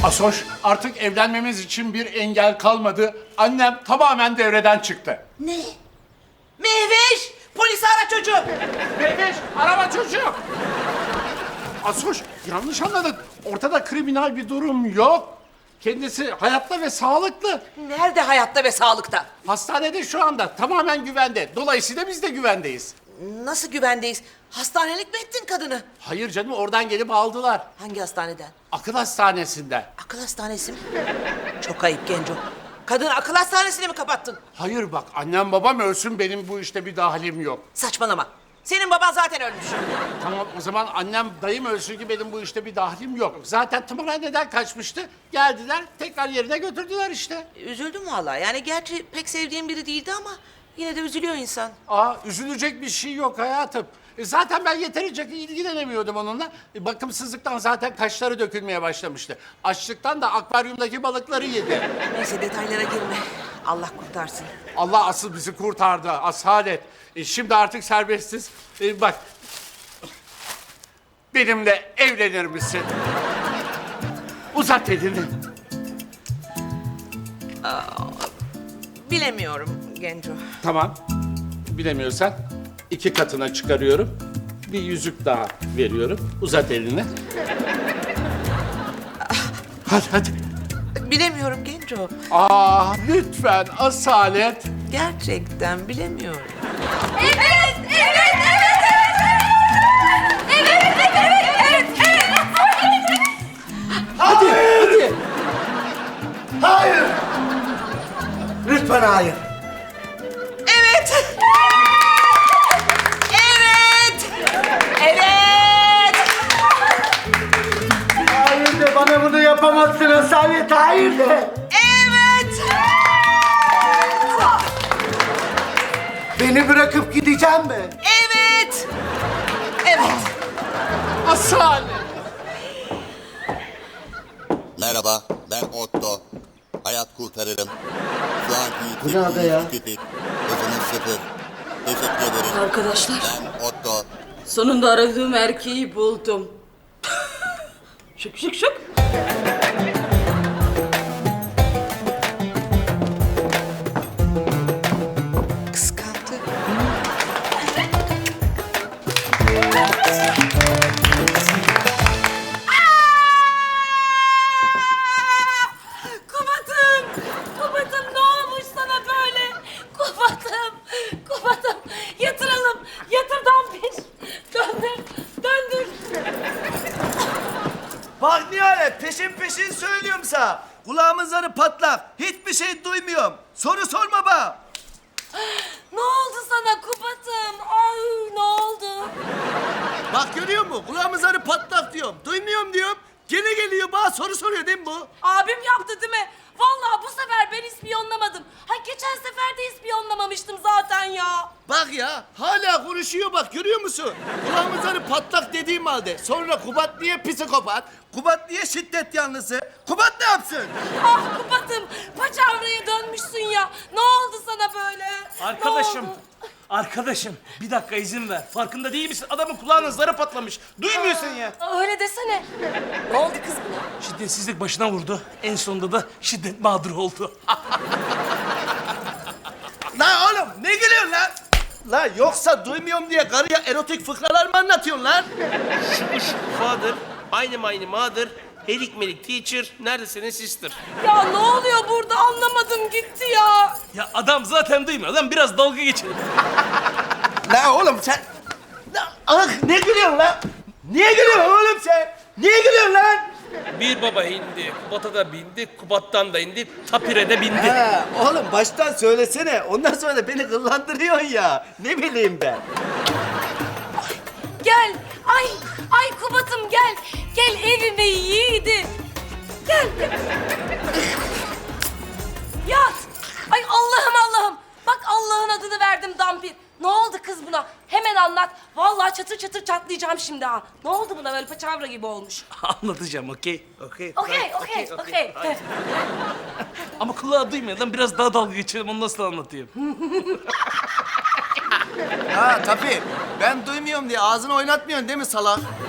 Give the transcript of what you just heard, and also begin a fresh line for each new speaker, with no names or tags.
Asoş, artık evlenmemiz için bir engel kalmadı. Annem tamamen devreden çıktı.
Ne? Mehveş! Polisi ara çocuğum.
Mehmet, araba çocuğu. Asoş, yanlış anladın. Ortada kriminal bir durum yok. Kendisi hayatta ve sağlıklı.
Nerede hayatta ve sağlıkta?
Hastanede şu anda tamamen güvende. Dolayısıyla biz de güvendeyiz.
Nasıl güvendeyiz? Hastanelik mi ettin kadını?
Hayır canım, oradan gelip aldılar.
Hangi hastaneden?
Akıl hastanesinden.
Akıl hastanesi mi? Çok ayıp Genco. Kadını akıl hastanesine mi kapattın?
Hayır bak, annem babam ölsün, benim bu işte bir dahilim yok.
Saçmalama. Senin baban zaten ölmüş.
Tamam, o zaman annem dayım ölsün ki benim bu işte bir dahlim yok. Zaten tımarhaneden kaçmıştı. Geldiler, tekrar yerine götürdüler işte.
Üzüldüm vallahi. Yani gerçi pek sevdiğim biri değildi ama yine de üzülüyor insan.
Üzülecek bir şey yok hayatım. Zaten ben yeterince ilgilenemiyordum onunla. Bakımsızlıktan zaten kaşları dökülmeye başlamıştı. Açlıktan da akvaryumdaki balıkları yedi.
Neyse detaylara girme. Allah kurtarsın.
Allah asıl bizi kurtardı, asalet. Şimdi artık serbestiz. Bak, benimle evlenir misin? Uzat elini.
Bilemiyorum Genco.
Tamam, bilemiyorsan 2 katına çıkarıyorum. Bir yüzük daha veriyorum. Uzat elini. Hadi.
Bilemiyorum Genco.
Lütfen asalet.
Gerçekten bilemiyorum.
Evet, evet, evet, evet, evet, evet, evet, evet.
Hadi.
Hayır! Lütfen hayır.
Evet. Evet. Evet.
Hayır de bana bunu yapamazsın Asalet, hayır de.
Evet.
Beni bırakıp gideceğim mi?
Evet. Evet.
Asalet.
Merhaba, ben Otto. Hayat kurtarırım. Şu anki
Bu ne ada ya?
yüksekliğiniz 2 hızınız 0. Teşekkür ederim.
Arkadaşlar,
Ben Otto.
sonunda aradığım erkeği buldum. Şık şık şık.
Kıskandı.
Kubat'ım ne olmuş sana böyle? Kubat'ım yatıralım. Yatır Dampiş. Döndür.
Bak Nihalet peşin söylüyorum sana. Kulağımın zarı patlak. Hiçbir şey duymuyorum. Soru sorma bana.
Ne oldu sana Kubat'ım? Ay ne oldu?
Bak görüyor musun? Kulağımın zarı patlak diyorum. Duymuyorum diyorum. Gene geliyor bana soru soruyor değil mi bu?
Abim yaptı değil mi? Vallahi bu sefer ben ispiyonlamadım. Ha geçen sefer de ispiyonlamamıştım zaten ya.
Bak ya hala konuşuyor bak görüyor musun? Kulağımın zarı patlak dediğim halde. Sonra Kubat niye psikopat? Kubat niye şiddet yanlısı? Kubat ne yapsın?
Ah Kubat'ım paçavraya dönmüşsün ya. Ne oldu sana böyle?
Arkadaşım,
Ne oldu?
arkadaşım bir dakika izin ver. Farkında değil misin? Adamın kulağının zarı patlamış. Duymuyorsun ya.
Öyle desene. Ne oldu kız buna?
Şiddetsizlik başına vurdu. En sonunda da şiddet mağduru oldu.
Lan oğlum ne gülüyorsun lan? Lan yoksa duymuyorum diye karıya erotik fıkralar mı anlatıyorsun lan?
Father, aynı mother, helik melik teacher, neredesiniz sister?
Ya ne oluyor burada anlamadım gitti ya.
Ya adam zaten duymuyor. Adam biraz dalga geçelim.
Lan oğlum sen... Lan, ne gülüyorsun lan? Niye gülüyorsun oğlum sen? Niye gülüyorsun lan?
Bir baba indi, Kubat'a da bindi, Kubat'tan da indi, Tapire de bindi.
Ha, oğlum baştan söylesene. Ondan sonra da beni kıllandırıyorsun ya. Ne bileyim ben.
Gel. Ay Kubat'ım gel. Gel evime yiğidim. Gel. Yat. Ay Allah'ım. Bak Allah'ın adını verdim Dampir. Ne oldu kız buna? Hemen anlat. Vallahi çatır çatır çatlayacağım şimdi ha. Ne oldu buna böyle paçavra gibi olmuş?
Anlatacağım, okey? Okey.
Okey.
Ama kulağı duymuyor. Adam biraz daha dalga geçelim. Onu nasıl anlatayım?
Ha tabii. Ben duymuyorum diye ağzını oynatmıyorsun değil mi salak?